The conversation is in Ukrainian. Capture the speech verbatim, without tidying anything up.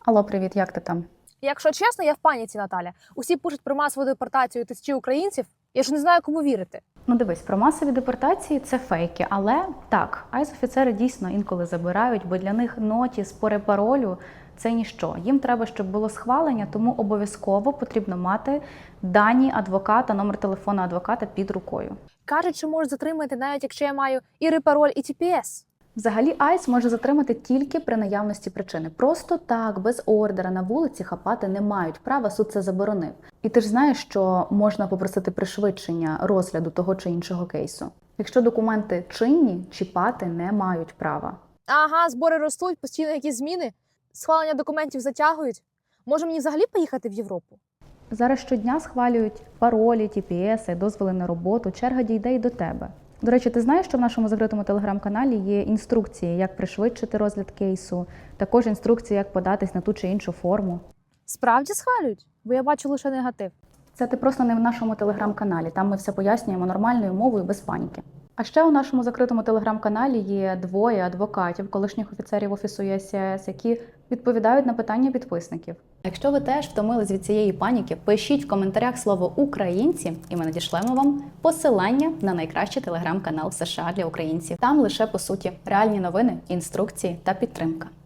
Алло, привіт, як ти там? Якщо чесно, я в паніці, Наталя. Усі пишуть про масову депортацію тисячі українців. Я ж не знаю, кому вірити. Ну дивись, про масові депортації це фейки, але так, айс-офіцери дійсно інколи забирають, бо для них нотіс по репаролю – це ніщо. Їм треба, щоб було схвалення, тому обов'язково потрібно мати дані адвоката, номер телефону адвоката під рукою. Кажуть, що можуть затримати, навіть якщо я маю і репароль, і ті пі ес. Взагалі, айс може затримати тільки при наявності причини. Просто так, без ордера на вулиці хапати не мають права, суд це заборонив. І ти ж знаєш, що можна попросити пришвидшення розгляду того чи іншого кейсу. Якщо документи чинні, чіпати не мають права. Ага, збори ростуть, постійно якісь зміни. Схвалення документів затягують. Може мені взагалі поїхати в Європу? Зараз щодня схвалюють паролі, ті пі ес, дозволи на роботу, черга дійде й до тебе. До речі, ти знаєш, що в нашому закритому телеграм-каналі є інструкції, як пришвидшити розгляд кейсу, також інструкції, як податись на ту чи іншу форму. Справді схвалюють? Бо я бачу лише негатив. Це ти просто не в нашому телеграм-каналі, там ми все пояснюємо нормальною мовою, без паніки. А ще у нашому закритому телеграм-каналі є двоє адвокатів, колишніх офіцерів Офісу ю ес сі ай ес, які відповідають на питання підписників. Якщо ви теж втомились від цієї паніки, пишіть в коментарях слово «Українці» і ми надішлемо вам посилання на найкращий телеграм-канал США для українців. Там лише, по суті, реальні новини, інструкції та підтримка.